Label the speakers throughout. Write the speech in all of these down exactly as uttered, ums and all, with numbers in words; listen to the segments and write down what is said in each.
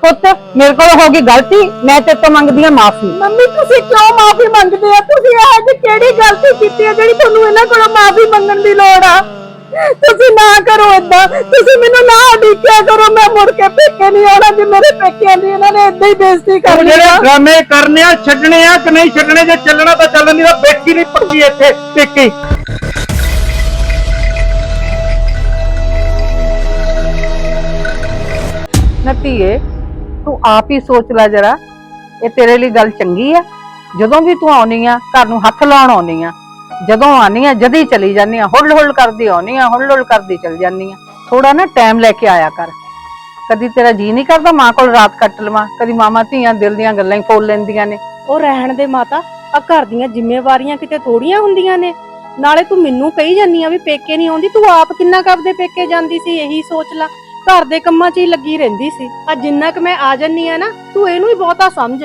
Speaker 1: ਪੁੱਤ ਮੇਰੇ ਕੋਲ ਹੋ ਗਈ ਗਲਤੀ, ਮੈਂ ਤੇਰੇ ਤੋਂ ਮੰਗਦੀ ਆ ਮਾਫੀ।
Speaker 2: ਮੰਮੀ ਤੁਸੀਂ ਕਿਉਂ ਮਾਫੀ ਮੰਗਦੇ ਆ? ਤੁਸੀਂ ਇਹ ਜਿਹੀ ਕਿਹੜੀ ਗਲਤੀ ਕੀਤੀ ਹੈ ਜਿਹੜੀ ਤੁਹਾਨੂੰ ਇਹਨਾਂ ਕੋਲੋਂ ਮਾਫੀ ਮੰਗਣ ਦੀ ਲੋੜ ਆ? ਤੁਸੀਂ ਨਾ ਕਰੋ ਏਦਾਂ, ਤੁਸੀਂ ਮੈਨੂੰ ਨਾ ਉਡੀਕਿਆ ਕਰੋ। ਮੈਂ ਮੁੜ ਕੇ ਪੇਕੇ ਨਹੀਂ ਆਉਣਾ ਜੇ ਮੇਰੇ ਪੇਕਿਆਂ ਦੀ ਇਹਨਾਂ ਨੇ ਏਦਾਂ ਹੀ ਬੇਇੱਜ਼ਤੀ ਕਰ ਲਈ।
Speaker 3: ਜਿਹੜੇ ਡਰਾਮੇ ਕਰਨੇ ਆ ਛੱਡਣੇ ਆ ਕਿ ਨਹੀਂ ਛੱਡਣੇ? ਜੇ ਚੱਲਣਾ ਤਾਂ ਚੱਲਣ ਦੀ, ਤਾਂ ਬੈਠੀ ਨਹੀਂ ਪੱਕੀ ਇੱਥੇ ਪੇਕੇ।
Speaker 1: ਨਤੀਏ ਤੂੰ ਆਪ ਹੀ ਸੋਚ ਲੈ ਜਰਾ, ਇਹ ਤੇਰੇ ਲਈ ਗੱਲ ਚੰਗੀ ਆ? ਜਦੋਂ ਵੀ ਤੂੰ ਆਉਣੀ ਆ ਘਰ ਨੂੰ ਹੱਥ ਲਾਉਣ ਆਉਣੀ ਆ, ਜਦੋਂ ਆਉਣੀ ਆ ਜਦੀ ਚਲੀ ਜਾਂਦੀ ਆ, ਹੁੱਲ ਹੁੱਲ ਕਰਦੀ ਆਉਣੀ ਆ, ਹੁੱਲ ਹੁੱਲ ਕਰਦੀ ਚਲ ਜਾਂਦੀ ਆ। ਥੋੜਾ ਨਾ ਟਾਈਮ ਲੈ ਕੇ ਆਇਆ ਕਰ। ਕਦੀ ਤੇਰਾ ਜੀ ਨਹੀਂ ਕਰਦਾ ਮਾਂ ਕੋਲ ਰਾਤ ਕੱਟ ਲਵਾਂ? ਕਦੀ ਮਾਮਾ ਧੀਆਂ ਦਿਲ ਦੀਆਂ ਗੱਲਾਂ ਹੀ ਫੋਲ ਲੈਂਦੀਆਂ ਨੇ।
Speaker 2: ਉਹ ਰਹਿਣ ਦੇ ਮਾਤਾ, ਆ ਘਰ ਦੀਆਂ ਜ਼ਿੰਮੇਵਾਰੀਆਂ ਕਿਤੇ ਥੋੜੀਆਂ ਹੁੰਦੀਆਂ ਨੇ। ਨਾਲੇ ਤੂੰ ਮੈਨੂੰ ਕਹੀ ਜਾਂਦੀ ਆ ਵੀ ਪੇਕੇ ਨਹੀਂ ਆਉਂਦੀ, ਤੂੰ ਆਪ ਕਿੰਨਾ ਕੁ ਆਪਦੇ ਪੇਕੇ ਜਾਂਦੀ ਸੀ ਇਹੀ ਸੋਚ ਲੈ। ਘਰ ਦੇ ਕੰਮਾਂ 'ਚ ਹੀ ਲੱਗੀ ਰਹਿੰਦੀ ਸੀ। ਆ ਜਿੰਨਾ ਕੁ ਮੈਂ ਆ ਜੰਨੀ ਆ ਨਾ, ਤੂੰ ਇਹਨੂੰ ਹੀ ਬਹੁਤਾ ਸਮਝ।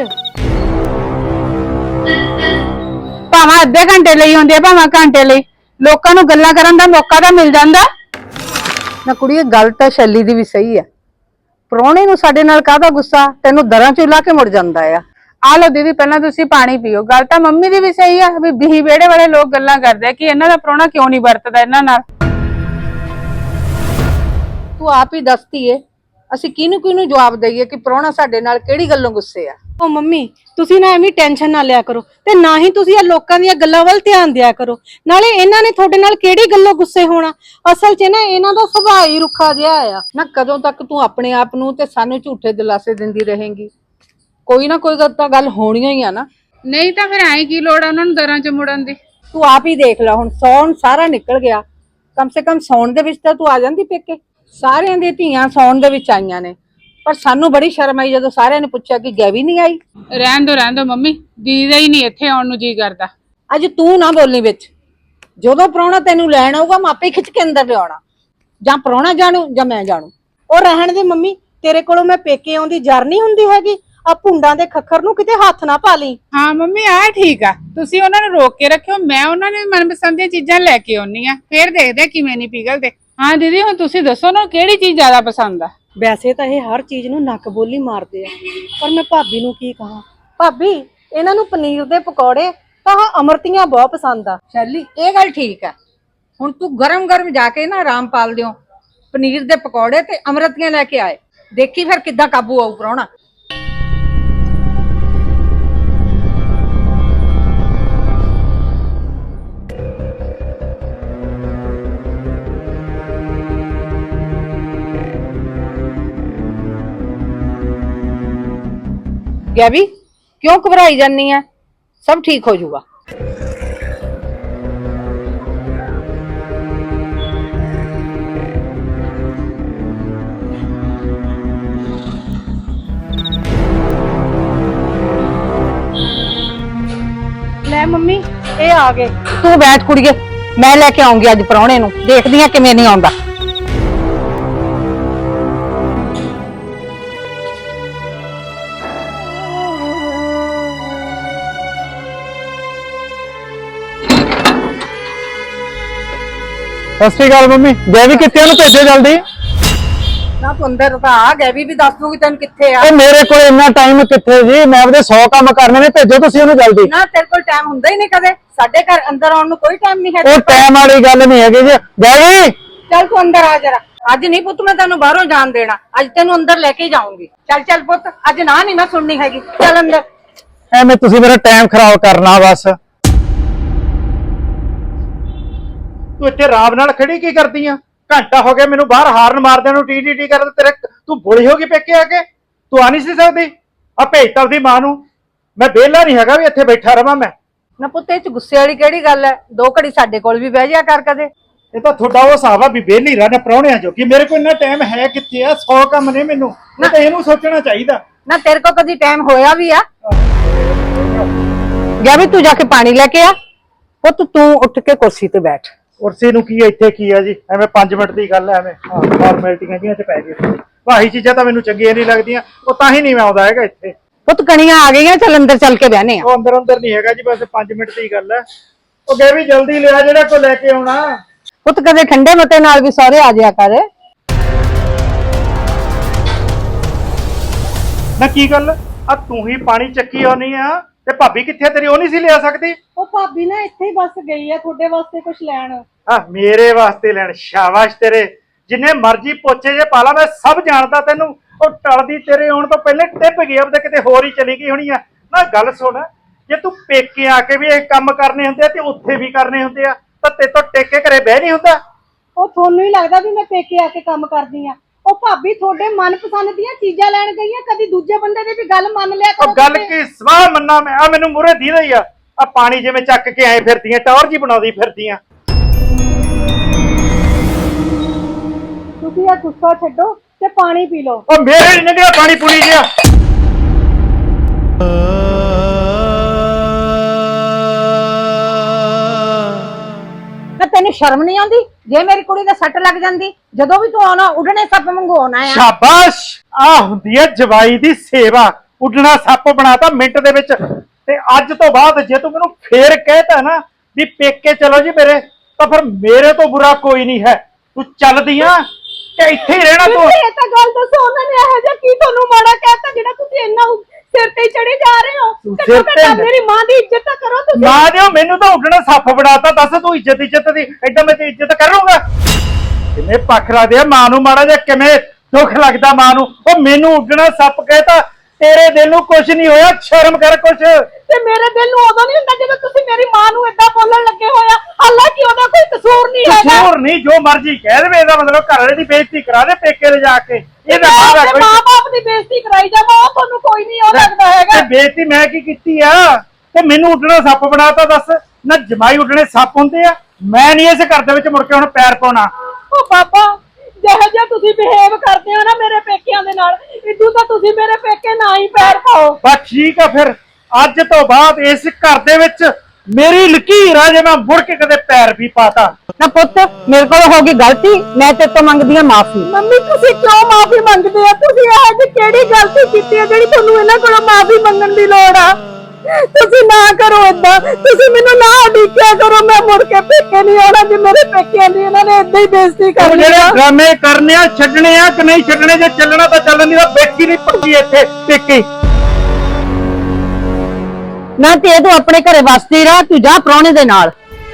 Speaker 1: ਭਾਵੇਂ ਅੱਧੇ ਘੰਟੇ ਲਈ ਹੁੰਦੀ ਆ, ਭਾਵੇਂ ਘੰਟੇ ਲਈ, ਲੋਕਾਂ ਨੂੰ ਗੱਲਾਂ ਕਰਨ ਦਾ ਮੌਕਾ ਤਾਂ ਮਿਲ ਜਾਂਦਾ ਨਾ। ਕੁੜੀਏ ਗੱਲ ਤਾਂ ਸ਼ੈਲੀ ਦੀ ਵੀ ਸਹੀ ਆ, ਪ੍ਰਾਹੁਣੇ ਨੂੰ ਸਾਡੇ ਨਾਲ ਕਾਹਦਾ ਗੁੱਸਾ? ਤੈਨੂੰ ਦਰਾਂ ਚ ਲਾ ਕੇ ਮੁੜ ਜਾਂਦਾ ਆ। ਆ ਲੋ ਦੀਦੀ ਪਹਿਲਾਂ ਤੁਸੀਂ ਪਾਣੀ ਪੀਓ। ਗੱਲ ਤਾਂ ਮੰਮੀ ਦੀ ਵੀ ਸਹੀ ਆ ਵੀ ਬਿਹੀ ਵਿਹੜੇ ਵਾਲੇ ਲੋਕ ਗੱਲਾਂ ਕਰਦੇ ਆ ਕਿ ਇਹਨਾਂ ਦਾ ਪ੍ਰਾਹੁਣਾ ਕਿਉਂ ਨਹੀਂ ਵਰਤਦਾ ਇਹਨਾਂ ਨਾਲ। ਤੂੰ ਆਪ ਹੀ ਦੱਸਦੀ ਏ, ਅਸੀਂ ਕਿਹਨੂੰ ਕਿਹਨੂੰ ਜਵਾਬ ਦਈਏ ਕਿ ਪ੍ਰਾਹੁਣਾ ਸਾਡੇ ਨਾਲ ਕਿਹੜੀ ਗੱਲੋਂ ਗੁੱਸੇ ਆ?
Speaker 2: ਉਹ ਮੰਮੀ ਤੁਸੀਂ ਨਾ ਐਵੇਂ ਟੈਨਸ਼ਨ ਨਾ ਲਿਆ ਕਰੋ, ਤੇ ਨਾ ਹੀ ਤੁਸੀਂ ਇਹ ਲੋਕਾਂ ਦੀਆਂ ਗੱਲਾਂ ਵੱਲ ਧਿਆਨ ਦਿਆ ਕਰੋ। ਨਾਲੇ ਇਹਨਾਂ ਨੇ ਤੁਹਾਡੇ ਨਾਲ ਕਿਹੜੀ ਗੱਲੋਂ ਗੁੱਸੇ ਹੋਣਾ? ਅਸਲ 'ਚ ਨਾ ਇਹਨਾਂ ਦਾ ਸੁਭਾਅ ਹੀ ਰੁੱਖਾ ਜਿਹਾ ਆ ਨਾ। ਕਦੋਂ ਤੱਕ ਤੂੰ ਆਪਣੇ ਆਪ ਨੂੰ ਤੇ ਸਾਨੂੰ ਝੂਠੇ ਦਿਲਾਸੇ ਦਿੰਦੀ ਰਹੇਂਗੀ? ਕੋਈ ਨਾ ਕੋਈ ਤਾਂ ਗੱਲ ਹੋਣੀ ਹੀ ਆ ਨਾ।
Speaker 4: ਨਹੀਂ ਤਾਂ ਫਿਰ ਐਂ ਕੀ ਲੋੜ ਆ ਉਹਨਾਂ ਨੂੰ ਦਰਾਂ 'ਚ ਮੁੜਨ ਦੀ?
Speaker 2: ਤੂੰ ਆਪ ਹੀ ਦੇਖ ਲੈ, ਹੁਣ ਸੌਣ ਸਾਰਾ ਨਿਕਲ ਗਿਆ। ਕਮ ਸੇ ਕਮ ਸੌਣ ਦੇ ਵਿੱਚ ਤਾਂ ਤੂੰ ਆ ਜਾਂਦੀ ਪੇਕੇ। ਸਾਰਿਆਂ ਦੀਆਂ ਧੀਆਂ ਸੌਣ ਦੇ ਵਿੱਚ ਆਈਆਂ ਨੇ, ਪਰ ਸਾਨੂੰ ਬੜੀ ਸ਼ਰਮ ਆਈ ਜਦੋਂ ਸਾਰਿਆਂ ਨੇ ਪੁੱਛਿਆ ਕਿ ਗੈਵੀ ਨਹੀਂ ਆਈ।
Speaker 4: ਰਹਿਣ ਦੋ ਰਹਿਣ ਦੋ ਮੰਮੀ, ਦੀਦੀ ਦਾ ਹੀ ਨਹੀਂ ਇੱਥੇ ਆਉਣ ਨੂੰ ਜੀ ਕਰਦਾ।
Speaker 2: ਅੱਜ ਤੂੰ ਨਾ ਬੋਲਣੀ ਵਿੱਚ। ਜਦੋਂ ਪ੍ਰਾਹੁਣਾ ਤੈਨੂੰ ਲੈਣ ਆਊਗਾ ਮੈਂ ਆਪੇ ਖਿੱਚ ਕੇ ਅੰਦਰ ਲਿਆਉਣਾ। ਜਾਂ ਪ੍ਰਾਹੁਣਾ ਜਾਣੂ ਜਾਂ ਮੈਂ ਜਾਣੂ। ਉਹ ਰਹਿਣ ਦੇ ਮੰਮੀ, ਤੇਰੇ ਕੋਲੋਂ ਮੈਂ ਪੇਕੇ ਆਉਂਦੀ ਜਰ ਨਹੀਂ ਹੁੰਦੀ ਹੈਗੀ। ਆ ਭੁੰਡਾਂ ਦੇ ਖੱਖਰ ਨੂੰ ਕਿਤੇ ਹੱਥ ਨਾ ਪਾ ਲਈ।
Speaker 4: ਹਾਂ ਮੰਮੀ ਆ ਠੀਕ ਆ, ਤੁਸੀਂ ਉਹਨਾਂ ਨੂੰ ਰੋਕ ਕੇ ਰੱਖਿਓ, ਮੈਂ ਉਹਨਾਂ ਨੇ ਮਨਪਸੰਦ ਦੀਆਂ ਚੀਜ਼ਾਂ ਲੈ ਕੇ ਆਉਣੀ ਆ, ਫੇਰ ਦੇਖਦੇ ਕਿਵੇਂ ਨਹੀਂ ਪਿਘਲਦੇ। ਹਾਂ ਦੀਦੀ ਹੁਣ ਤੁਸੀਂ ਦੱਸੋ ਨਾ ਕਿਹੜੀ ਚੀਜ਼ ਜ਼ਿਆਦਾ ਪਸੰਦ ਆ?
Speaker 2: ਵੈਸੇ ਤਾਂ ਇਹ ਹਰ ਚੀਜ਼ ਨੂੰ ਨੱਕ ਬੋਲੀ ਮਾਰਦੇ ਆ, ਪਰ ਮੈਂ ਭਾਬੀ ਨੂੰ ਕੀ ਕਹਾਂ। ਭਾਬੀ ਇਹਨਾਂ ਨੂੰ ਪਨੀਰ ਦੇ ਪਕੌੜੇ ਤਾਂ ਅਮਰਤੀਆਂ ਬਹੁਤ ਪਸੰਦ ਆ।
Speaker 1: ਸ਼ੈਲੀ ਇਹ ਗੱਲ ਠੀਕ ਆ, ਹੁਣ ਤੂੰ ਗਰਮ ਗਰਮ ਜਾ ਕੇ ਨਾ ਰਾਮਪਾਲ ਦਿਓ ਪਨੀਰ ਦੇ ਪਕੌੜੇ ਤੇ ਅਮਰਤੀਆਂ ਲੈ ਕੇ ਆਏ, ਦੇਖੀ ਫਿਰ ਕਿੱਦਾਂ ਕਾਬੂ ਆਊ ਪ੍ਰਾਹੁਣਾ। ਗੈਵੀ ਕਿਉਂ ਘਬਰਾਈ ਜਾਨੀ ਆ? ਸਭ ਠੀਕ ਹੋ ਜਾਊਗਾ।
Speaker 2: ਲੈ ਮੰਮੀ ਇਹ ਆ ਗਏ।
Speaker 1: ਤੂੰ ਬੈਠ ਕੁੜੀਏ, ਮੈਂ ਲੈ ਕੇ ਆਉਂਗੀ ਅੱਜ ਪ੍ਰਾਹੁਣੇ ਨੂੰ, ਦੇਖਦੀ ਆ ਕਿਵੇਂ ਨਹੀਂ ਆਉਂਦਾ।
Speaker 3: ਸਤਿ ਸ਼੍ਰੀ ਅਕਾਲ ਮੰਮੀ। ਗੈਵੀ ਕਿੱਥੇ? ਉਹਨੂੰ ਭੇਜੋ ਜਲਦੀ।
Speaker 1: ਨਾ ਤੂੰ ਅੰਦਰ ਤਾਂ ਆ, ਗੈਵੀ ਵੀ ਦੱਸ ਦੂਗੀ ਤੈਨੂੰ ਕਿੱਥੇ ਆ।
Speaker 3: ਉਹ ਮੇਰੇ ਕੋਲ ਇੰਨਾ ਟਾਈਮ ਕਿੱਥੇ ਜੀ? ਮੈਂ ਆਪਦੇ ਸੌ ਕੰਮ ਕਰਨੇ ਨੇ, ਭੇਜੋ ਤੁਸੀਂ ਉਹਨੂੰ ਜਲਦੀ।
Speaker 1: ਨਾ ਤੇਰੇ ਕੋਲ ਟਾਈਮ ਹੁੰਦਾ ਹੀ ਨਹੀਂ ਕਦੇ, ਸਾਡੇ ਘਰ ਅੰਦਰ ਆਉਣ ਨੂੰ ਕੋਈ ਟਾਈਮ ਨਹੀਂ ਹੈ।
Speaker 3: ਉਹ ਟਾਈਮ ਵਾਲੀ ਗੱਲ ਨਹੀਂ ਹੈਗੀ ਜੀ। ਗੈਵੀ
Speaker 1: ਚੱਲ ਤੂੰ ਅੰਦਰ ਆ ਜਰਾ। ਅੱਜ ਨਹੀਂ ਪੁੱਤ ਮੈਂ ਤੈਨੂੰ ਬਾਹਰੋਂ ਜਾਣ ਦੇਣਾ, ਅੱਜ ਤੈਨੂੰ ਅੰਦਰ ਲੈ ਕੇ ਜਾਊਂਗੀ। ਚੱਲ ਚੱਲ ਪੁੱਤ, ਅੱਜ ਨਾ ਨਹੀਂ ਮੈਂ ਸੁਣਨੀ ਹੈਗੀ, ਚੱਲ ਅੰਦਰ।
Speaker 3: ਐਵੇਂ ਤੁਸੀਂ ਮੇਰਾ ਟਾਈਮ ਖਰਾਬ ਕਰਨਾ ਬਸ। ਤੂੰ ਇੱਥੇ ਰਾਮ ਨਾਲ ਖੜੀ ਕੀ ਕਰਦੀ ਆ? ਘੰਟਾ ਹੋ ਗਿਆ ਮੈਨੂੰ ਬਾਹਰ ਹਾਰਨ ਮਾਰਦਿਆਂ ਨੂੰ, ਟੀ ਟੀ ਟੀ ਕਰਦੇ। ਤੇਰੇ ਤੂੰ ਬੁੜੀ ਹੋ ਗਈ ਪੇਕੇ ਆ ਕੇ? ਤੂੰ ਆ ਨਹੀਂ ਸੀ ਸਕਦੀ? ਆ ਭੇਜਤਾ ਉਹਦੀ ਮਾਂ ਨੂੰ। ਮੈਂ ਵਿਹਲਾ ਨਹੀਂ ਹੈਗਾ ਵੀ ਇੱਥੇ ਬੈਠਾ ਰਵਾਂ ਮੈਂ।
Speaker 1: ਨਾ ਪੁੱਤ ਇਹ ਚ ਗੁੱਸੇ ਵਾਲੀ ਕਿਹੜੀ ਗੱਲ ਹੈ? ਦੋ ਘੜੀ ਸਾਡੇ ਕੋਲ ਵੀ ਬਹਿ ਜਾ ਕਰ ਕਦੇ।
Speaker 3: ਇਹ ਤਾਂ ਤੁਹਾਡਾ ਉਹ ਹਿਸਾਬ ਆ ਵੀ ਵਿਹਲੀ ਰਹਿਣਾ ਪ੍ਰਾਹੁਣਿਆਂ ਜੋ, ਕਿ ਮੇਰੇ ਕੋਲ ਇੰਨਾ ਟਾਈਮ ਹੈ ਕਿੱਥੇ ਆ? ਸੌ ਕੰਮ ਨੇ ਮੈਨੂੰ, ਮੈਂ ਤਾਂ ਇਹਨੂੰ ਸੋਚਣਾ ਚਾਹੀਦਾ
Speaker 1: ਨਾ। ਤੇਰੇ ਕੋਲ ਕਦੀ ਟਾਈਮ ਹੋਇਆ ਵੀ ਆ? ਗਿਆ ਵੀ ਤੂੰ ਜਾ ਕੇ ਪਾਣੀ ਲੈ ਕੇ ਆ। ਪੁੱਤ ਤੂੰ ਉੱਠ ਕੇ ਕੁਰਸੀ ਤੇ ਬੈਠ।
Speaker 3: ਕੁਰਸੀ ਨੂੰ ਕੀ ਇੱਥੇ ਕੀ ਆ ਜੀ? ਐਵੇਂ ਪੰਜ ਮਿੰਟ ਦੀ ਗੱਲ ਐ, ਐਵੇਂ ਹਾਂ ਫਾਰਮੈਲਿਟੀਆਂ ਜੀਆਂ ਚ ਪੈ ਗਏ। ਭਾਈ ਚੀਜ਼ਾਂ ਤਾਂ ਮੈਨੂੰ ਚੰਗੀਆਂ ਨਹੀਂ ਲੱਗਦੀਆਂ, ਉਹ ਤਾਂ ਹੀ ਨਹੀਂ ਮੈਂ ਆਉਂਦਾ ਹੈਗਾ ਇੱਥੇ।
Speaker 1: ਪੁੱਤ ਕਣੀਆਂ ਆ ਗਈਆਂ, ਚੱਲ ਅੰਦਰ ਚੱਲ ਕੇ ਬਹਿਨੇ ਆ।
Speaker 3: ਉਹ ਅੰਦਰ ਅੰਦਰ ਨਹੀਂ ਹੈਗਾ ਜੀ, ਬਸ ਪੰਜ ਮਿੰਟ ਦੀ ਗੱਲ ਐ। ਉਹ ਗਏ ਵੀ ਜਲਦੀ ਲਿਆ ਜਿਹੜਾ ਕੋ ਲੈ ਕੇ ਆਉਣਾ।
Speaker 1: ਪੁੱਤ ਕਦੇ ਠੰਡੇ ਮਤੇ ਨਾਲ ਵੀ ਸਹੁਰੇ ਆ ਜਾਇਆ ਕਰ।
Speaker 3: ਨਾ ਕੀ ਗੱਲ ਆ ਤੂੰ ਹੀ ਪਾਣੀ ਚੱਕੀ ਆਉਣੀ ਆ ਤੇ ਭਾਬੀ ਕਿੱਥੇ ਤੇਰੀ ਉਹ ਨਹੀਂ ਸੀ ਲਿਆ ਸਕਦੀ?
Speaker 2: ਉਹ ਭਾਬੀ ਨਾ ਇੱਥੇ ਹੀ ਬਸ ਗਈ ਆ ਤੁਹਾਡੇ ਵਾਸਤੇ ਕੁਝ ਲੈਣ।
Speaker 3: ਆ ਮੇਰੇ ਵਾਸਤੇ ਲੈਣ? ਸ਼ਾਬਾਸ਼ ਤੇਰੇ, ਜਿੰਨੇ ਮਰਜ਼ੀ ਪੋਚੇ ਜੇ ਪਾਲਾ ਮੈਂ ਸਭ ਜਾਣਦਾ ਤੈਨੂੰ। ਉਹ ਟਲਦੀ ਤੇਰੇ ਆਉਣ ਤੋਂ ਪਹਿਲੇ ਟਿੱਪ ਗਈ ਆਪਦੇ ਕਿਤੇ ਹੋਰ ਹੀ ਚਲੀ ਗਈ ਹੋਣੀ ਆ। ਨਾ ਗੱਲ ਸੁਣ, ਜੇ ਤੂੰ ਪੇਕੇ ਆ ਕੇ ਵੀ ਇਹ ਕੰਮ ਕਰਨੇ ਹੁੰਦੇ ਆ ਤੇ ਉੱਥੇ ਵੀ ਕਰਨੇ ਹੁੰਦੇ ਆ ਤਾਂ ਤੇ ਤੋਂ ਟੇਕੇ ਘਰੇ ਬਹਿ ਨਹੀਂ ਹੁੰਦਾ।
Speaker 2: ਉਹ ਤੁਹਾਨੂੰ ਹੀ ਲੱਗਦਾ ਵੀ ਮੈਂ ਪੇਕੇ ਆ ਕੇ ਕੰਮ ਕਰਦੀ ਆ? ਉਹ ਭਾਬੀ ਤੁਹਾਡੇ ਮਨਪਸੰਦ ਦੀਆਂ ਚੀਜ਼ਾਂ ਲੈਣ ਗਈ ਆ, ਕਦੀ ਦੂਜੇ ਬੰਦੇ ਦੀ ਵੀ ਗੱਲ ਮੰਨ ਲਿਆ ਕਰੋ।
Speaker 3: ਉਹ ਗੱਲ ਕੀ ਸਵਾਹ ਮੰਨਾ ਮੈਂ? ਆ ਮੈਨੂੰ ਮੂਹਰੇ ਦੀ ਰਹੀ ਆ, ਆ ਪਾਣੀ ਜਿਵੇਂ ਚੱਕ ਕੇ ਆਏ ਫਿਰਦੀਆਂ, ਟੌਰ ਜੀ ਬਣਾਉਂਦੀ ਫਿਰਦੀਆਂ।
Speaker 2: ਤੁਸੀਂ ਇਹ ਗੁੱਸਾ ਛੱਡੋ ਤੇ ਪਾਣੀ ਪੀ ਲਓ।
Speaker 3: ਉਹ ਮੇਰੇ ਨਹੀਂ ਨਿਕਲਿਆ ਪਾਣੀ ਪੂਣੀ ਜਿਹਾ।
Speaker 1: ਨਾ ਤੈਨੂੰ ਸ਼ਰਮ ਨਹੀਂ ਆਉਂਦੀ? ਜੇ ਮੇਰੀ ਕੁੜੀ ਦੇ ਸੱਟ ਲੱਗ ਜਾਂਦੀ, ਜਦੋਂ ਵੀ ਤੂੰ ਆਉਣਾ ਉੱਡਣੇ ਸੱਪ ਵਾਂਗੂ ਆਉਣਾ ਆ।
Speaker 3: ਸ਼ਾਬਾਸ਼, ਆ ਹੁੰਦੀ ਹੈ ਜਵਾਈ ਦੀ ਸੇਵਾ। ਉੱਡਣਾ ਸੱਪ ਬਣਾਤਾ ਮਿੰਟ ਦੇ ਵਿੱਚ। ਤੇ ਅੱਜ ਤੋਂ ਬਾਅਦ ਜੇ ਤੂੰ ਮੈਨੂੰ ਫੇਰ ਕਹਿਤਾ ਨਾ ਵੀ ਪੇਕੇ ਚਲੋ ਜੀ ਮੇਰੇ, ਤਾਂ ਫਿਰ ਮੇਰੇ ਤੋਂ ਬੁਰਾ ਕੋਈ ਨਹੀਂ ਹੈ। ਤੂੰ ਚੱਲਦੀ ਆ ਤੇ ਇੱਥੇ ਹੀ ਰਹਿਣਾ ਤੂੰ।
Speaker 2: ਇਹ ਤਾਂ ਗੱਲ ਦੱਸੋ, ਉਹਨਾਂ ਨੇ ਇਹੋ ਜਿਹਾ ਕੀ ਤੁਹਾਨੂੰ ਮਾੜਾ ਕਹਿਤਾ ਜਿਹੜਾ ਤੁਸੀਂ ਇੰਨਾ ਸਿਰ ਤੇ ਚੜੇ ਜਾ ਰਹੇ ਹੋ?
Speaker 3: ਸਿਰ ਤੇ
Speaker 2: ਮੇਰੀ ਮਾਂ ਦੀ ਇੱਜ਼ਤ ਤਾਂ ਕਰੋ ਤੁਸੀਂ।
Speaker 3: ਮਾਂ ਦਿਓ, ਮੈਨੂੰ ਤਾਂ ਉੱਡਣਾ ਸੱਪ ਬਣਾਤਾ। ਦੱਸ ਤੂੰ ਇੱਜ਼ਤ ਇੱਜ਼ਤ ਦੀ ਐਡਾ ਮੈਂ ਤੇ ਇੱਜ਼ਤ ਕਰੂੰਗਾ? ਕਿਵੇਂ ਪਖਰਾ ਦੇ ਮਾਂ ਨੂੰ ਮਾੜਾ ਜਿਹਾ ਕਿਵੇਂ ਦੁੱਖ ਲੱਗਦਾ ਮਾਂ ਨੂੰ। ਉਹ ਮੈਨੂੰ ਉੱਡਣਾ ਸੱਪ ਕਹਿਤਾ, ਤੇਰੇ ਦਿਲ ਨੂੰ ਕੁਝ ਨਹੀਂ ਹੋਇਆ? ਸ਼ਰਮ ਕਰ ਕੁਛ।
Speaker 2: ਤੇ ਮੇਰੇ ਦਿਲ ਨੂੰ ਉਦੋਂ ਨਹੀਂ ਹੁੰਦਾ ਜਦੋਂ ਤੁਸੀਂ ਮੇਰੀ ਮਾਂ ਨੂੰ ਏਦਾਂ ਬੋਲਣ ਲੱਗੇ ਹੋਇਆ, ਹਾਲਾਂਕਿ ਉਹਦਾ ਕੋਈ ਕਸੂਰ ਨਹੀਂ ਹੈਗਾ।
Speaker 3: ਕਸੂਰ ਨਹੀਂ, ਜੋ ਮਰਜ਼ੀ ਕਹਿ ਦੇਵੇ, ਇਹਦਾ ਮਤਲਬ ਘਰ ਵਾਲੇ ਦੀ ਬੇਇੱਜ਼ਤੀ ਕਰਾ ਦੇ ਪੇਕੇ ਲੈ ਜਾ ਕੇ। ਇਹਦਾ ਮਾਂ ਕੋਈ
Speaker 2: ਬਾਪ ਦੀ ਬੇਇੱਜ਼ਤੀ ਕਰਾਈ ਜਾਵਾ, ਉਹ ਤੁਹਾਨੂੰ ਕੋਈ ਨਹੀਂ ਉਹ ਲੱਗਦਾ ਹੈਗਾ।
Speaker 3: ਤੇ ਬੇਇੱਜ਼ਤੀ ਮੈਂ ਕੀ ਕੀਤੀ ਆ? ਤੇ ਮੈਨੂੰ ਉੱਡਣਾ ਸੱਪ ਬਣਾਤਾ। ਦੱਸ ਨਾ, ਜਮਾਈ ਉੱਡਣੇ ਸੱਪ ਹੁੰਦੇ ਆ? ਮੈਂ ਨਹੀਂ ਇਸ ਘਰ ਦੇ ਵਿੱਚ ਮੁੜ ਕੇ ਹੁਣ ਪੈਰ ਪਾਉਣਾ।
Speaker 2: ਉਹ ਬਾਬਾ, ਜਿਹੋ ਜਿਹਾ ਤੁਸੀਂ ਬਿਹੇਵ ਕਰਦੇ ਹੋ ਨਾ ਮੇਰੇ ਪੇਕਿਆਂ ਦੇ ਨਾਲ, ਇਦੋਂ ਤਾਂ ਤੁਸੀਂ ਮੇਰੇ ਪੇਕੇ ਨਾ ਹੀ ਪੈਰ ਪਾਓ।
Speaker 3: ਬਸ ਠੀਕ ਆ, ਫਿਰ ਅੱਜ ਤੋਂ ਬਾਅਦ ਇਸ ਘਰ ਦੇ ਵਿੱਚ ਮੇਰੀ ਲਕੀਰ ਆ, ਜੇ ਮੈਂ ਮੁੜ ਕੇ ਕਦੇ ਪੈਰ ਵੀ ਪਾਤਾ।
Speaker 1: ਨਾ ਪੁੱਤ, ਮੇਰੇ ਕੋਲ ਹੋ ਗਈ ਗਲਤੀ, ਮੈਂ ਤੇਰੇ ਤੋਂ ਮੰਗਦੀ ਆ ਮਾਫੀ।
Speaker 2: ਮੰਮੀ ਤੁਸੀਂ ਕਿਉਂ ਮਾਫੀ ਮੰਗਦੇ ਹੋ? ਤੁਸੀਂ ਇਹ ਜਿਹੀ ਕਿਹੜੀ ਗਲਤੀ ਕੀਤੀ ਹੈ ਜਿਹੜੀ ਤੁਹਾਨੂੰ ਇਹਨਾਂ ਕੋਲੋਂ ਮਾਫੀ ਮੰਗਣ ਦੀ ਲੋੜ ਆ? ਤੁਸੀਂ ਨਾ ਕਰੋ ਏਦਾਂ, ਤੁਸੀਂ ਮੈਨੂੰ ਨਾ ਉਡੀਕਿਆ ਕਰੋ। ਮੈਂ ਮੁੜ ਕੇ ਪੇਕੇ ਨਹੀਂ ਆਉਣਾ। ਜੇ ਮੇਰੇ ਪੇਕਿਆਂ ਦੀ ਇਹਨਾਂ ਨੇ ਏਦਾਂ ਹੀ ਬੇਇੱਜ਼ਤੀ ਕਰਨੀ
Speaker 3: ਜਿਹੜੇ
Speaker 2: ਆ।
Speaker 3: ਡਰਾਮੇ ਕਰਨੇ ਆ ਛੱਡਣੇ ਆ ਕਿ ਨਹੀਂ ਛੱਡਣੇ? ਜੇ ਚੱਲਣਾ ਤਾਂ ਚੱਲਣ ਦੀ, ਤਾਂ ਬੈਠੀ ਨਹੀਂ ਪੱਕੀ ਇੱਥੇ ਪੇਕੇ।
Speaker 1: ਨਾ ਤੇ ਤੂੰ ਆਪਣੇ ਘਰੇ ਵਸਦੀ ਰਹਿ, ਤੂੰ ਜਾ ਪ੍ਰਾਹੁਣੇ ਦੇ ਨਾਲ।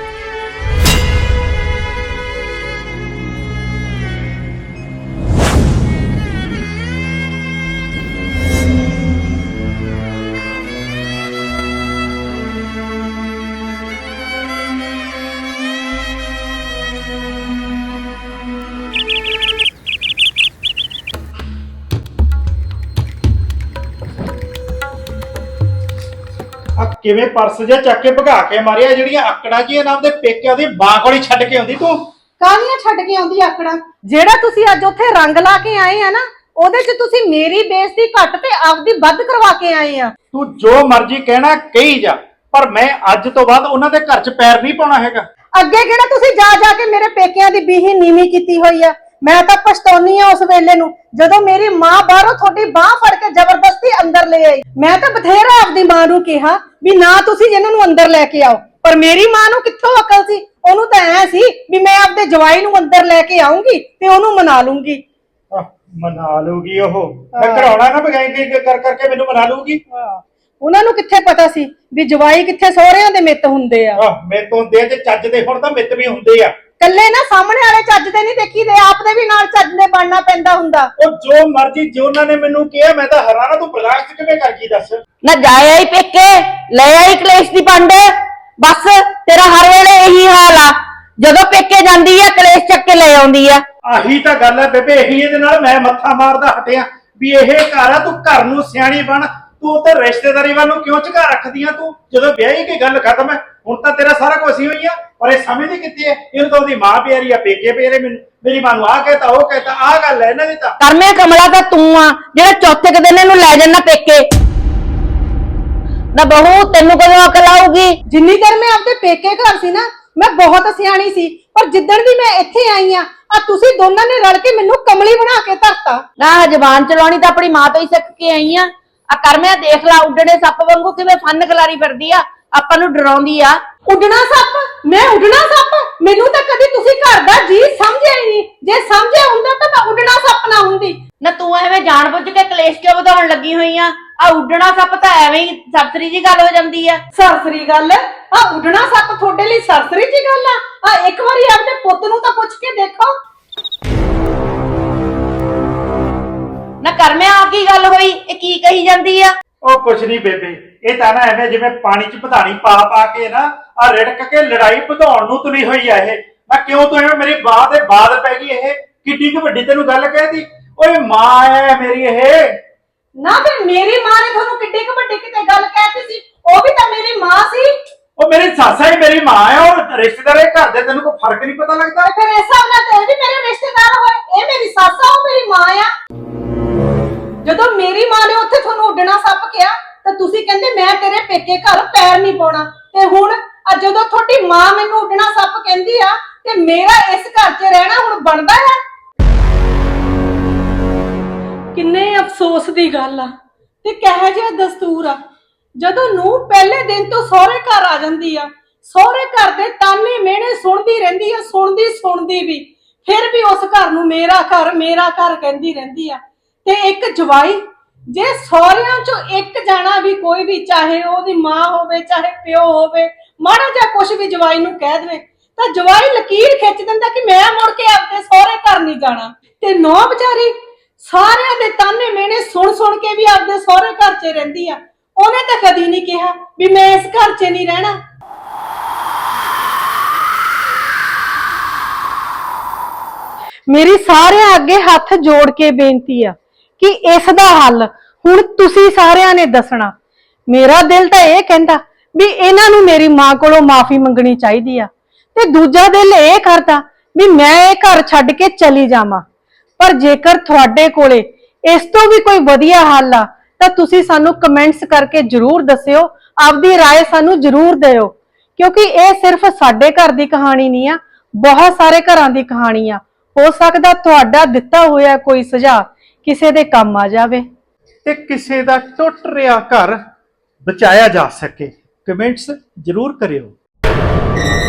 Speaker 3: ਆ ਕਿਵੇਂ ਪਰਸ ਜਿਹਾ ਚੱਕ ਕੇ ਭਗਾ ਕੇ ਮਾਰਿਆ? ਜਿਹੜੀਆਂ ਆਕੜਾਂ ਜੀ ਨਾਮ ਦੇ ਪੇਕਿਆਂ ਦੀ ਮਾਂ ਕੋਲ ਹੀ ਛੱਡ ਕੇ ਆਉਂਦੀ ਤੂੰ।
Speaker 2: ਕਾਹਦੀਆਂ ਛੱਡ ਕੇ ਆਉਂਦੀ ਆਕੜਾਂ? ਜਿਹੜਾ ਤੁਸੀਂ ਅੱਜ ਉੱਥੇ ਰੰਗ ਲਾ ਕੇ ਆਏ ਆ ਨਾ, ਉਹਦੇ 'ਚ ਤੁਸੀਂ ਮੇਰੀ ਬੇਇੱਜ਼ਤੀ ਘੱਟ ਤੇ ਆਪਦੀ ਵੱਧ ਕਰਵਾ ਕੇ ਆਏ ਆ।
Speaker 3: ਤੂੰ ਜੋ ਮਰਜ਼ੀ ਕਹਿਣਾ ਕਹੀ ਜਾ, ਪਰ ਮੈਂ ਅੱਜ ਤੋਂ ਬਾਅਦ ਉਹਨਾਂ ਦੇ ਘਰ 'ਚ ਪੈਰ ਨਹੀਂ ਪਾਉਣਾ ਹੈਗਾ।
Speaker 2: ਅੱਗੇ ਕਿਹੜਾ ਤੁਸੀਂ ਜਾ ਜਾ ਕੇ ਮੇਰੇ ਪੇਕਿਆਂ ਦੀ ਬੀਹੀ ਨੀਵੀਂ ਕੀਤੀ ਹੋਈ ਆ? ਮੈਂ ਤਾਂ ਪਛਤਾਉਣੀ ਆ ਉਸ ਵੇਲੇ ਨੂੰ ਜਦੋਂ ਮੇਰੀ ਮਾਂ ਬਾਹਰੋਂ ਤੁਹਾਡੀ ਬਾਹ ਫੜ ਕੇ ਜ਼ਬਰਦਸਤੀ ਅੰਦਰ ਲੈ ਆਈ। ਮੈਂ ਤਾਂ ਬਥੇਰਾ ਆਪਦੀ ਮਾਂ ਨੂੰ ਕਿਹਾ ਵੀ ਨਾ ਤੁਸੀਂ ਇਹਨਾਂ ਨੂੰ ਅੰਦਰ ਲੈ ਕੇ ਆਓ, ਪਰ ਮੇਰੀ ਮਾਂ ਨੂੰ ਕਿੱਥੋਂ ਅਕਲ ਸੀ? ਉਹਨੂੰ ਤਾਂ ਐ ਸੀ ਵੀ ਮੈਂ ਆਪਦੇ ਜਵਾਈ ਨੂੰ ਅੰਦਰ ਲੈ ਕੇ ਆਉਂਗੀ ਤੇ ਉਹਨੂੰ ਮਨਾ ਲੂੰਗੀ।
Speaker 3: ਆਹ, ਮਨਾ ਲੂਗੀ ਉਹ? ਮੈਂ ਕਰਾਉਣਾ ਨਾ ਬਗਾਈ ਕਰ ਕਰਕੇ ਮੈਨੂੰ ਮਨਾ ਲੂਗੀ।
Speaker 2: ਉਹਨਾਂ ਨੂੰ ਕਿੱਥੇ ਪਤਾ ਸੀ ਵੀ ਜਵਾਈ ਕਿੱਥੇ ਸਹੁਰਿਆਂ ਦੇ ਮਿੱਤ ਹੁੰਦੇ ਆ।
Speaker 3: ਆਹ, ਮੇਰੇ ਤੋਂ ਦੇ ਤੇ ਚੱਜ ਦੇ ਹੁਣ ਤਾਂ ਮਿੱਤ ਵੀ ਹੁੰਦੇ ਆ।
Speaker 2: ਕੱਲੇ ਨਾ ਸਾਹਮਣੇ ਵਾਲੇ ਚੱਜ ਦੇ ਨਹੀਂ ਦੇਖੀਦੇ, ਆਪ ਦੇ ਵੀ ਨਾਲ ਚੱਜ ਦੇ ਬਣਨਾ ਪੈਂਦਾ ਹੁੰਦਾ।
Speaker 3: ਉਹ ਜੋ ਮਰਜ਼ੀ ਜੋ ਉਹਨਾਂ ਨੇ ਮੈਨੂੰ ਕਿਹਾ, ਮੈਂ ਤਾਂ ਹੈਰਾਨ ਆ। ਤੂੰ ਬਰਦਾਸ਼ਤ ਕਿਵੇਂ ਕਰ ਗਈ ਦੱਸ?
Speaker 1: ਨਾ ਜਾਇਆ ਹੀ ਪੇਕੇ, ਲੈ ਆਈ ਕਲੇਸ਼ ਦੀ ਪੰਡ। ਬਸ ਤੇਰਾ ਹਰ ਵੇਲੇ ਇਹੀ ਹਾਲ ਆ, ਜਦੋਂ ਪੇਕੇ ਜਾਂਦੀ ਆ ਕਲੇਸ਼ ਚੱਕ ਕੇ ਲੈ ਆਉਂਦੀ ਆ।
Speaker 3: ਆਹੀ ਤਾਂ ਗੱਲ ਹੈ ਬੇਬੇ, ਇਹੀ ਇਹਦੇ ਨਾਲ ਮੈਂ ਮੱਥਾ ਮਾਰਦਾ ਹਟਿਆ ਵੀ ਇਹ ਘਰ ਆ। ਤੂੰ ਘਰ ਨੂੰ ਸਿਆਣੀ ਬਣ, ਤੂੰ ਤੇ ਰਿਸ਼ਤੇਦਾਰੀ ਵੱਲ ਨੂੰ ਕਿਉਂ ਝੁਕਾ ਰੱਖਦੀ ਆ? ਤੂੰ ਜਦੋਂ ਵਿਆਹੀ ਕੀ ਗੱਲ ਖਤਮ ਹੈ, ਹੁਣ ਤਾਂ ਤੇਰਾ ਸਾਰਾ ਕੁਝ ਹੀ ਹੋਈ ਆ। ਪਰ ਇਹ ਸਮਝਦੀ ਕਿੱਥੇ ਹੈ? ਇਹਨੂੰ ਤਾਂ ਉਹਦੀ ਮਾਂ ਪਿਆਰੀ ਆ, ਪੇਕੇ ਪਿਆਰੇ। ਮੈਨੂੰ ਮੇਰੀ ਮਾਂ ਨੂੰ ਆਹ ਕਹਿਤਾ ਉਹ ਕਹਿਤਾ, ਆਹ ਗੱਲ ਹੈ ਇਹਨਾਂ ਦੀ ਤਾਂ।
Speaker 1: ਕਰਮੇ ਕਮਲਾ ਤਾਂ ਤੂੰ ਆ ਜਿਹੜਾ ਚੌਥੇ ਕੁ ਦਿਨ ਇਹਨੂੰ ਲੈ ਜਾਣਾ ਪੇਕੇ। ਨਾ ਬਹੂ, ਤੈਨੂੰ ਕਦੋਂ ਅਕਲ ਆਊਗੀ?
Speaker 2: ਜਿੰਨੀ ਦੇਰ ਮੈਂ ਆਪਦੇ ਪੇਕੇ ਘਰ ਸੀ ਨਾ, ਮੈਂ ਬਹੁਤ ਸਿਆਣੀ ਸੀ, ਪਰ ਜਿੱਦਣ ਦੀ ਮੈਂ ਇੱਥੇ ਆਈ ਆ, ਆ ਤੁਸੀਂ ਦੋਨਾਂ ਨੇ ਰਲ ਕੇ ਮੈਨੂੰ ਕਮਲੀ ਬਣਾ ਕੇ ਧਰਤਾ।
Speaker 1: ਨਾ ਜ਼ਬਾਨ ਚਲਾਉਣੀ ਤਾਂ ਆਪਣੀ ਮਾਂ ਤੋਂ ਹੀ ਸਿੱਖ ਕੇ ਆਈ ਆ। ਆ ਕਰਮਿਆ ਦੇਖ ਲਾ, ਉੱਡਣੇ ਸੱਪ ਵਾਂਗੂ ਕਿਵੇਂ ਫਨ ਖਲਾਰੀ ਫਿਰਦੀ ਆ, ਆਪਾਂ ਨੂੰ ਡਰਾਉਂਦੀ ਆ।
Speaker 2: ਉੱਡਣਾ ਸੱਪ? ਮੈਂ ਉੱਡਣਾ ਸੱਪ? ਮੈਨੂੰ ਤਾਂ ਕਦੀ ਤੁਸੀਂ ਘਰ ਦਾ ਜੀ ਸਮਝਿਆ ਹੀ ਨਹੀਂ। ਜੇ ਸਮਝਿਆ ਹੁੰਦਾ ਤਾਂ ਮੈਂ ਉੱਡਣਾ ਸੱਪ ਨਾ ਹੁੰਦੀ।
Speaker 5: ਨਾ ਤੂੰ ਐਵੇਂ ਜਾਣਬੁੱਝ ਕੇ ਕਲੇਸ਼ ਕਿਉਂ ਵਧਾਉਣ ਲੱਗੀ ਹੋਈ ਆ ਆ ਉੱਡਣਾ ਸੱਪ ਤਾਂ ਐਵੇਂ ਹੀ ਸਬਤਰੀ ਜੀ ਗੱਲ ਹੋ ਜਾਂਦੀ ਆ।
Speaker 2: ਸਰਸਰੀ ਗੱਲ ਆ ਉੱਡਣਾ ਸੱਪ ਤੁਹਾਡੇ ਲਈ ਸਰਸਰੀ ਜੀ ਗੱਲ ਆ ਆ ਇੱਕ ਵਾਰੀ ਆਪਣੇ ਪੁੱਤ ਨੂੰ ਤਾਂ ਪੁੱਛ ਕੇ ਦੇਖੋ।
Speaker 5: ਨਾ ਕਰਮਿਆ ਆ ਕੀ ਗੱਲ ਹੋਈ, ਇਹ ਕੀ ਕਹੀ ਜਾਂਦੀ ਆ?
Speaker 3: ਉਹ ਕੁਛ ਨਹੀਂ ਬੇਬੇ, ਇਹ ਤਾਂ ਨਾ ਐਵੇਂ ਜਿਵੇਂ ਪਾਣੀ 'ਚ ਪਧਾਣੀ ਪਾ ਪਾ ਕੇ ਨਾ ਆ ਰਿੜਕ ਕੇ ਲੜਾਈ ਵਧਾਉਣ ਨੂੰ ਤੁਲੀ ਹੋਈ ਆ ਇਹ। ਮੈਂ ਕਿਉਂ ਤੂੰ ਐਵੇਂ ਮੇਰੀ ਬਾਤ ਦੇ ਬਾਤ ਪੈ ਗਈ? ਇਹ ਕਿੱਡੀ ਕੁ ਵੱਡੀ ਤੈਨੂੰ ਗੱਲ ਕਹਿਤੀ? ਓਏ ਮਾਂ ਹੈ ਮੇਰੀ ਇਹ।
Speaker 2: ਨਾ ਫਿਰ ਮੇਰੀ ਮਾਂ ਨੇ ਤੁਹਾਨੂੰ ਕਿੱਡੀ ਕੁ ਵੱਡੀ ਕਿਤੇ ਗੱਲ ਕਹਿਤੀ ਸੀ, ਉਹ ਵੀ ਤਾਂ ਮੇਰੀ ਮਾਂ ਸੀ।
Speaker 3: ਉਹ ਮੇਰੀ ਸੱਸ ਹੀ ਮੇਰੀ ਮਾਂ ਆ, ਉਹ ਰਿਸ਼ਤੇਦਾਰ ਘਰ ਦੇ ਤੈਨੂੰ ਕੋਈ ਫਰਕ ਨਹੀਂ ਪਤਾ ਲੱਗਦਾ?
Speaker 2: ਫਿਰ ਇਸ ਹਿਸਾਬ ਨਾਲ ਤੇ ਇਹ ਵੀ ਮੇਰੇ ਰਿਸ਼ਤੇਦਾਰ ਹੋਏ, ਇਹ ਮੇਰੀ ਸੱਸ ਆ, ਉਹ ਮੇਰੀ ਮਾਂ ਆ। ਜਦੋਂ ਮੇਰੀ ਮਾਂ ਨੇ ਉੱਥੇ ਤੁਹਾਨੂੰ ਉੱਡਣਾ ਸੱਪ ਕਿਹਾ ਤਾਂ ਤੁਸੀਂ ਕਹਿੰਦੇ ਮੈਂ ਤੇਰੇ ਪੇਕੇ ਘਰ ਪੈਰ ਨਹੀਂ ਪਾਉਣਾ, ਤੇ ਹੁਣ ਆ ਜਦੋਂ ਤੁਹਾਡੀ ਮਾਂ ਮੈਨੂੰ ਉੱਡਣਾ ਸੱਪ ਕਹਿੰਦੀ ਆ ਤੇ ਮੇਰਾ ਇਸ ਘਰ 'ਚ ਰਹਿਣਾ ਹੁਣ ਬਣਦਾ ਹੈ? ਕਿੰਨੇ ਅਫਸੋਸ ਦੀ ਗੱਲ ਆ ਤੇ ਕਿਹੋ ਜਿਹਾ ਦਸਤੂਰ ਆ। ਜਦੋਂ ਨੂੰ ਪਹਿਲੇ ਦਿਨ ਤੋਂ ਸਹੁਰੇ ਘਰ ਆ ਜਾਂਦੀ ਆ, ਸਹੁਰੇ ਘਰ ਦੇ ਤਾਨੇ ਮਿਹਣੇ ਸੁਣਦੀ ਰਹਿੰਦੀ ਆ, ਸੁਣਦੀ ਸੁਣਦੀ ਵੀ ਫਿਰ ਵੀ ਉਸ ਘਰ ਨੂੰ ਮੇਰਾ ਘਰ ਮੇਰਾ ਘਰ ਕਹਿੰਦੀ ਰਹਿੰਦੀ ਆ। ਤੇ ਇੱਕ ਜਵਾਈ, ਜੇ ਸਹੁਰਿਆਂ ਚੋਂ ਇੱਕ ਜਾਣਾ ਵੀ ਕੋਈ ਵੀ, ਚਾਹੇ ਉਹਦੀ ਮਾਂ ਹੋਵੇ ਚਾਹੇ ਪਿਓ ਹੋਵੇ, ਮਾੜਾ ਜਿਹਾ ਕੁਛ ਵੀ ਜਵਾਈ ਨੂੰ ਕਹਿ ਦੇਵੇ ਤਾਂ ਜਵਾਈ ਲਕੀਰ ਖਿੱਚ ਦਿੰਦਾ ਕਿ ਮੈਂ ਮੁੜ ਕੇ ਆਪਣੇ ਸਹੁਰੇ ਘਰ ਨਹੀਂ ਜਾਣਾ। ਤੇ ਨੌ ਵਿਚਾਰੀ ਸਾਰਿਆਂ ਦੇ ਤਾਨੇ ਮਿਹਣੇ ਸੁਣ ਸੁਣ ਕੇ ਵੀ ਆਪਦੇ ਸਹੁਰੇ ਘਰ 'ਚ ਰਹਿੰਦੀ ਆ। ਉਹਨੇ ਤਾਂ ਕਦੀ ਨਹੀਂ ਕਿਹਾ ਵੀ ਮੈਂ ਇਸ ਘਰ 'ਚ ਨਹੀਂ ਰਹਿਣਾ। ਮੇਰੀ ਸਾਰਿਆਂ ਅੱਗੇ ਹੱਥ ਜੋੜ ਕੇ ਬੇਨਤੀ ਆ ਕਿ ਇਸ ਦਾ ਹੱਲ ਹੁਣ ਤੁਸੀਂ ਸਾਰਿਆਂ ਨੇ ਦੱਸਣਾ। ਮੇਰਾ ਦਿਲ ਤਾਂ ਇਹ ਕਹਿੰਦਾ ਵੀ ਇਹਨਾਂ ਨੂੰ ਮੇਰੀ ਮਾਂ ਕੋਲੋਂ ਮਾਫੀ ਮੰਗਣੀ ਚਾਹੀਦੀ ਆ, ਤੇ ਦੂਜਾ ਦਿਲ ਇਹ ਕਰਦਾ ਵੀ ਮੈਂ ਇਹ ਘਰ ਛੱਡ ਕੇ ਚਲੀ ਜਾਵਾਂ। ਪਰ ਜੇਕਰ ਤੁਹਾਡੇ ਕੋਲੇ ਇਸ ਤੋਂ ਵੀ ਕੋਈ ਵਧੀਆ ਹੱਲ ਆ ਤਾਂ ਤੁਸੀਂ ਸਾਨੂੰ ਕਮੈਂਟਸ ਕਰਕੇ ਜਰੂਰ ਦੱਸਿਓ, ਆਪਦੀ رائے ਸਾਨੂੰ ਜਰੂਰ ਦਿਓ, ਕਿਉਂਕਿ ਇਹ ਸਿਰਫ ਸਾਡੇ ਘਰ ਦੀ ਕਹਾਣੀ ਨਹੀਂ ਆ, ਬਹੁਤ ਸਾਰੇ ਘਰਾਂ ਦੀ ਕਹਾਣੀ ਆ। ਹੋ ਸਕਦਾ ਤੁਹਾਡਾ ਦਿੱਤਾ ਹੋਇਆ ਕੋਈ ਸੁਝਾਅ ਕਿਸੇ ਦੇ ਕੰਮ ਆ ਜਾਵੇ
Speaker 3: ਤੇ ਕਿਸੇ ਦਾ ਟੁੱਟ ਰਿਹਾ ਘਰ ਬਚਾਇਆ ਜਾ ਸਕੇ। ਕਮੈਂਟਸ ਜ਼ਰੂਰ ਕਰਿਓ।